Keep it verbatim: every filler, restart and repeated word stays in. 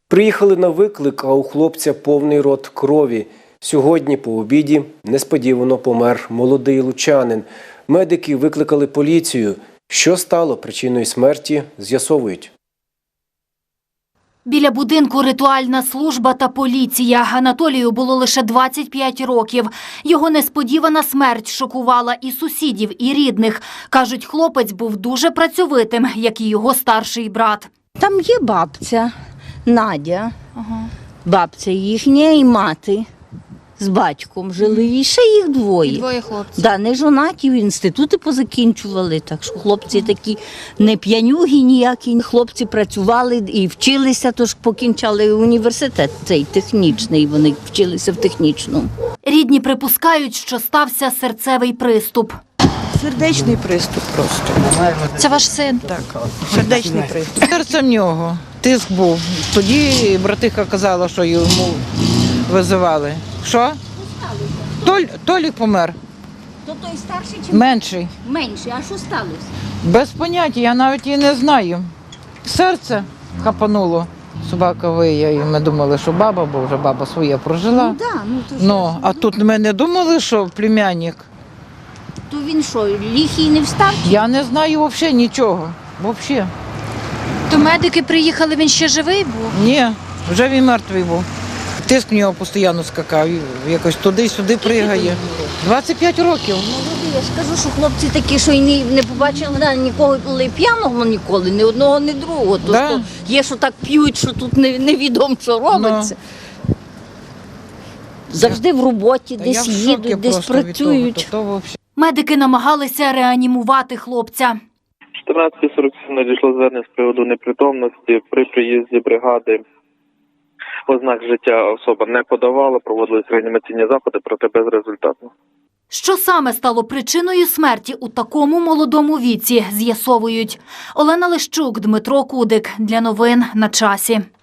Приїхали на виклик, а у хлопця повний рот крові. Сьогодні по обіді несподівано помер молодий лучанин. Медики викликали поліцію. Що стало причиною смерті, з'ясовують. Біля будинку ритуальна служба та поліція. Анатолію було лише двадцять п'ять років. Його несподівана смерть шокувала і сусідів, і рідних. Кажуть, хлопець був дуже працьовитим, як і його старший брат. Там є бабця Надя, ага. Бабця їхня і мати з батьком жили, і ще їх двоє. І двоє хлопців. Да, не жонаті, інститути позакінчували, так що хлопці такі не п'янюги ніякі. Хлопці працювали і вчилися, тож покінчали університет цей технічний, вони вчилися в технічному. Рідні припускають, що стався серцевий приступ. Сердечний приступ просто. Це ваш син? Так, сердечний приступ. Серце в нього, тиск був. Тоді братиха казала, що йому визивали. Що? Толь, Толік помер. То той старший чи Менший. менший? А що сталося? Без поняття, я навіть і не знаю. Серце хапануло. Собака виє, і ми думали, що баба, бо вже баба своє прожила. Ну, да, ну, то, Ну, а тут ми не думали, що племянник. то він що, ліхий не встав? Я не знаю взагалі нічого. Взагалі. То медики приїхали, він ще живий був? Ні, вже він мертвий був. Тиск в нього постійно скакав, якось туди-сюди пригає. двадцять п'ять років. Ну, я ж кажу, що хлопці такі, що й не, не побачили да, нікого п'яного ніколи, ні одного, ні другого. То, Да. то є, що так п'ють, що тут не, невідомо, що робиться. Ну. Завжди в роботі, Та десь я в шокі їдуть, десь просто від працюють. того, то, то взагалі. Медики намагалися реанімувати хлопця. чотирнадцята сорок сім надійшло звернення з приводу непритомності. При приїзді бригади ознак життя особа не подавала, проводились реанімаційні заходи, проте безрезультатно. Що саме стало причиною смерті у такому молодому віці, з'ясовують. Олена Лещук, Дмитро Кудик. Для новин на часі.